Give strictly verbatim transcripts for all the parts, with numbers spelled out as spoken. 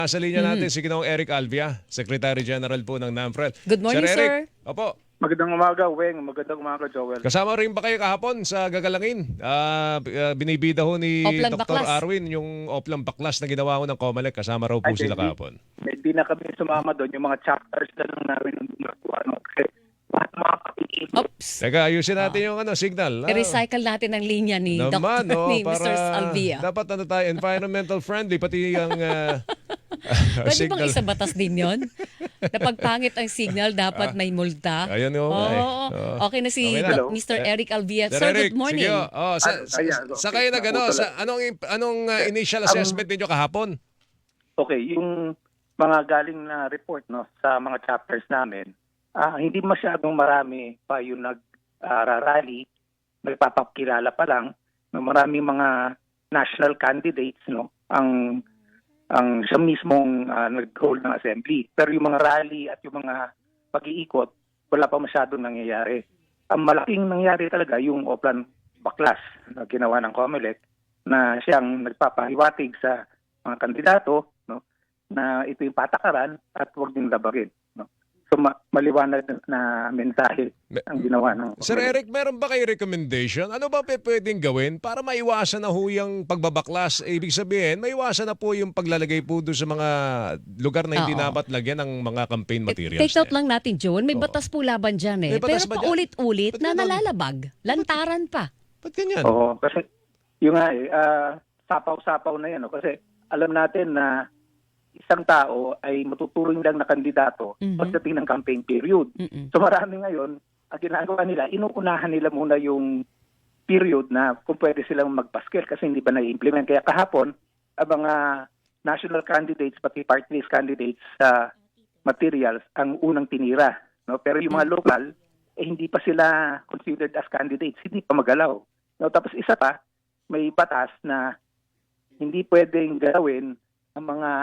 Nasa linya Mhm. natin si Ginoong Eric Alvia, Secretary General po ng NAMFREL. Good morning, Sir Eric, sir. opo. Magandang umaga, Weng. Magandang umaga, Joel. Kasama rin ba kayo kahapon sa gagalangin? Ah, b- ah, binibida ho ni Oplan Doctor Baklas. Arwin yung Oplan Baklas na ginawa ko ng COMELEC. Kasama raw po Ay, sila hindi. kahapon. Hindi na kami sumama doon. Yung mga chapters na lang namin ang gumagawa. No? Kasi lahat ng mga kapitid. Oops. Teka, ayusin natin yung ano, signal. Ah, I-recycle natin ang linya ni naman, Doctor no, ni para mister Alvia. dapat ano tayo, environmental friendly, pati yung ah, Pwede bang signal. isa batas din yon? Na pagpangit ang signal, dapat may multa. Ayun yung, Oo, ay, oo. oo. Okay na si Okay na. Doc- mister Eric Alvia. Sir Sir, Eric, good morning. sige, oh, sa, Ano, sa, ayan, sa okay, kayo na gano, naputulan. sa anong anong uh, initial Um, assessment ninyo kahapon? Okay, yung mga galing na report no sa mga chapters namin, ah, hindi masyadong marami pa yung nag-rally, nagpapakilala pa lang. No, maraming mga national candidates no ang ang siya mismong ah, nag-hold ng assembly. Pero yung mga rally at yung mga pag-iikot, wala pa masyadong nangyayari. Ang malaking nangyari talaga yung Oplan Baklas na ginawa ng COMELEC na siyang nagpapahiwatig sa mga kandidato no, na ito yung patakaran at huwag din labagin. No? So ma- maliwanag na mensahe ang ginawa ng Sir COMELEC. Eric, meron ba kayo recommendation? Ano ba pe- pwedeng gawin para maiwasan na ho yung pagbabaklas? Eh, ibig sabihin, maiwasan na po yung paglalagay po doon sa mga lugar na hindi Oo. dapat lagyan ng mga campaign materials. Take note na yan. lang natin, Joel. May Oo. batas po laban dyan eh. May batas Pero ba dyan? paulit-ulit Ba't na ganun? nalalabag. Lantaran pa. Ba't ganyan? Oo, kasi yung nga eh, ah, sapaw-sapaw na yan. No? Kasi alam natin na isang tao ay matuturing lang na kandidato Mhm. pagdating ng campaign period. Mm-mm. So marami ngayon, ang ginagawa nila, inuunahan nila muna yung period na kung pwede silang magpaskil kasi hindi pa na-implement. Kaya kahapon, ang mga national candidates, pati party list candidates sa materials, ang unang tinira. No? Pero yung mga local, eh, hindi pa sila considered as candidates, hindi pa magalaw. No? Tapos isa pa, may batas na hindi pwedeng gawin ang mga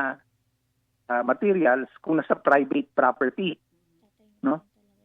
ah, materials kung nasa private property. No?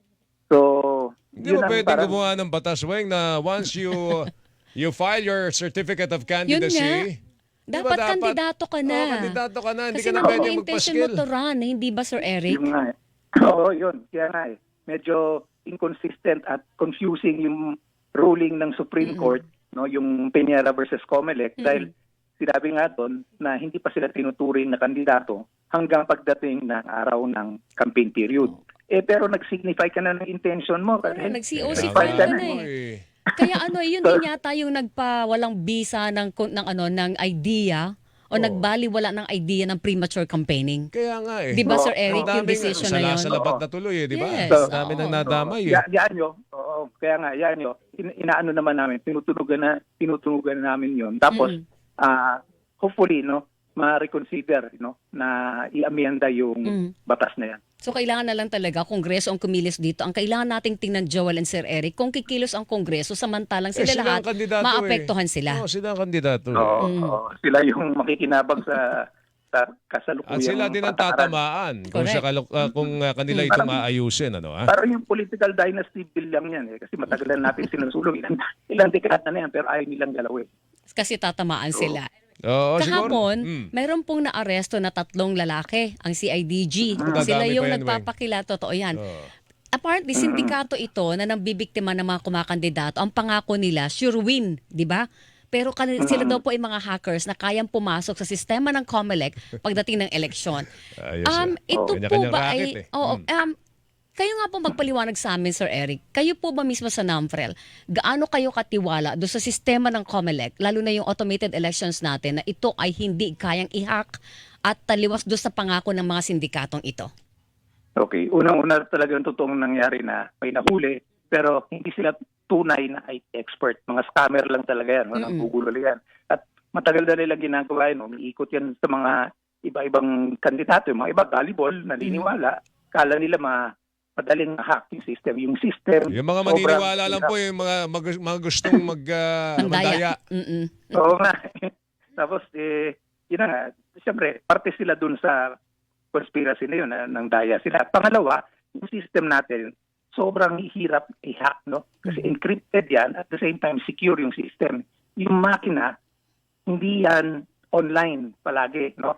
So, Hindi yun ba ang pwedeng parang- gumawa ng batas, Weng, na once you you file your certificate of Yun candidacy, di ba Dapat kandidato ka na. Oo, kandidato ka na. Hindi Kasi ka na naman pwede yung intention mo magpaskil. to run, eh, hindi ba, Sir Eric? Yun nga eh. Oo, yun. Kaya nga eh. Medyo inconsistent at confusing yung ruling ng Supreme Mm-mm. Court, no, yung Peñera versus Comelec, Mm-mm. dahil sinabi nga doon na hindi pa sila tinuturing na kandidato hanggang pagdating ng araw ng campaign period. Eh pero nag-signify ka na ng intention mo. Kasi Oo, nag-C O C Kaya file nga ka na po eh. Kaya ano, yun din yata yung nagpa walang visa ng kun- ng ano ng idea o Oo. nagbaliwala ng idea ng premature campaigning. Kaya nga eh. Di ba, Oo. Sir Eric, Ang yung daming decision na yun? Salasalat na tuloy eh, di ba? Yes, Ang dami oo. nang nadamay eh. Ya, yan nyo. Oo, kaya nga, yan nyo. In, inaano naman namin, tinutunugan na, tinutunugan na namin yon. Tapos, Mm. ah hopefully, no, ma-reconsider, no, na i-amenda yung Mm. batas na yan. So kailangan na lang talaga Kongreso ang kumilos dito. Ang kailangan nating tingnan, Joel and Sir Eric, kung kikilos ang Kongreso samantalang Eh, sila sila lahat ang kandidato maapektuhan eh. sila. Oo, sila ang kandidato. eh. Oo, Mm. oo. Sila yung makikinabang sa sa kasalukuyang At sila din ang patakaran. tatamaan kung, Correct. sa kalu- ah, kung ah, kanila Mm. itong Parang- aayusin. Ano, ah? Parang yung political dynasty bill lang yan eh. Kasi matagal na natin sinusulong. Ilang, ilang dekada na yan pero ayaw nilang galawin. Kasi tatamaan sila. Oo, siguro. Kahapon, Mm. mayroon pong naaresto na tatlong lalaki, ang C I D G. Ah. Sila Dadami yung pa yan, nagpapakila, totoo yan. Oo. Apparently, sindikato ito na nambibiktima ng mga kumakandidato. Ang pangako nila, sure win, di ba? Pero kan- sila daw po ay mga hackers na kayang pumasok sa sistema ng COMELEC pagdating ng eleksyon. Ayos, Um, ah. ito po Kanya-kanyang ba racket ay... eh. Oo, Mm. um, kayo nga po magpaliwanag sa amin, Sir Eric. Kayo po ba mismo sa NAMFREL, gaano kayo katiwala do sa sistema ng COMELEC, lalo na yung automated elections natin, na ito ay hindi kayang i-hack at taliwas do sa pangako ng mga sindikatong ito? Okay, unang-una talagang totoong nangyari na may nahuli pero hindi sila tunay na I T expert. Mga scammer lang talaga yan, Mm-mm. mm Google yan. At matagal na nila ginagawa yun, umiikot yan sa mga iba-ibang kandidato. Yung mga iba, volleyball, naniniwala. Kala nila ma madaling hack yung system. Yung system, Yung mga sobrang maniniwala lang hirap. po, yung mga, mag- mga gustong mag, ah, Ang mandaya. daya. Mm-mm. Oo nga. Tapos, eh, yun na nga, siyempre, parte sila dun sa conspiracy na yun, na, ng daya sila. Pangalawa, yung system natin, sobrang hirap i-hack, no? Kasi encrypted yan, at the same time, secure yung system. Yung makina, hindi yan online palagi, no?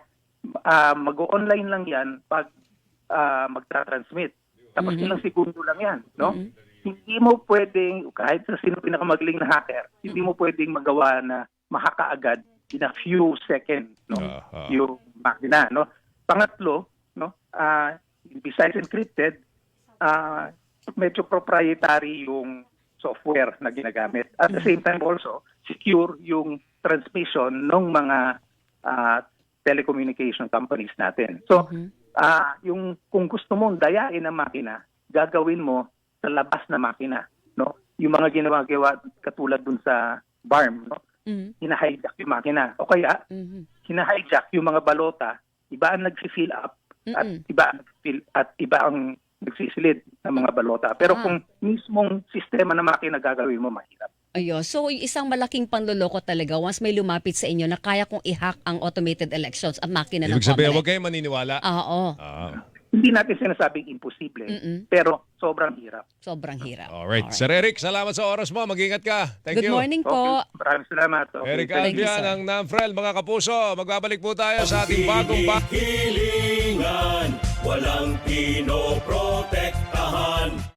ah, mag-online lang yan pag ah, magta-transmit. Tapos Mhm. ilang segundo lang yan, no? Mhm. Hindi mo pwedeng, kahit sa sino pinakamagaling na hacker, hindi mo pwedeng magawa na makakaagad in a few seconds, no? Ah, ah. Yung makina, no? Pangatlo, no? ah, besides encrypted, ah, medyo proprietary yung software na ginagamit. At the same time also, secure yung transmission ng mga ah, telecommunication companies natin. So, Mhm. ah, yung kung gusto mong dayain ang makina, gagawin mo sa labas na makina, no? Yung mga ginagawa katulad dun sa B A R M, no? Mhm. Hina-hijack yung makina. O kaya, Mhm. hina-hijack yung mga balota, iba ang nag-fill up at Mm-mm. iba ang fill at iba ang nagsisilid ng mga balota. Pero Ah. kung mismong sistema na makina gagawin mo, mahirap. Ayun. So, yung isang malaking panloloko talaga once may lumapit sa inyo na kaya kong i-hack ang automated elections at makina ng Ibig sabihin, Comelec. huwag kayong maniniwala. Oo. Ah. Hindi natin sinasabing imposible, Mm-mm. pero sobrang hirap. Sobrang hirap. Alright. Sir Eric, salamat sa oras mo. Mag-ingat ka. Thank Good you. morning po. Okay, maraming salamat. Okay, Eric thank you. you, Albian sir. ng NAMFREL. Mga kapuso, magbabalik po tayo sa ating bagong ba- Hilingan, walang pinoprotektahan.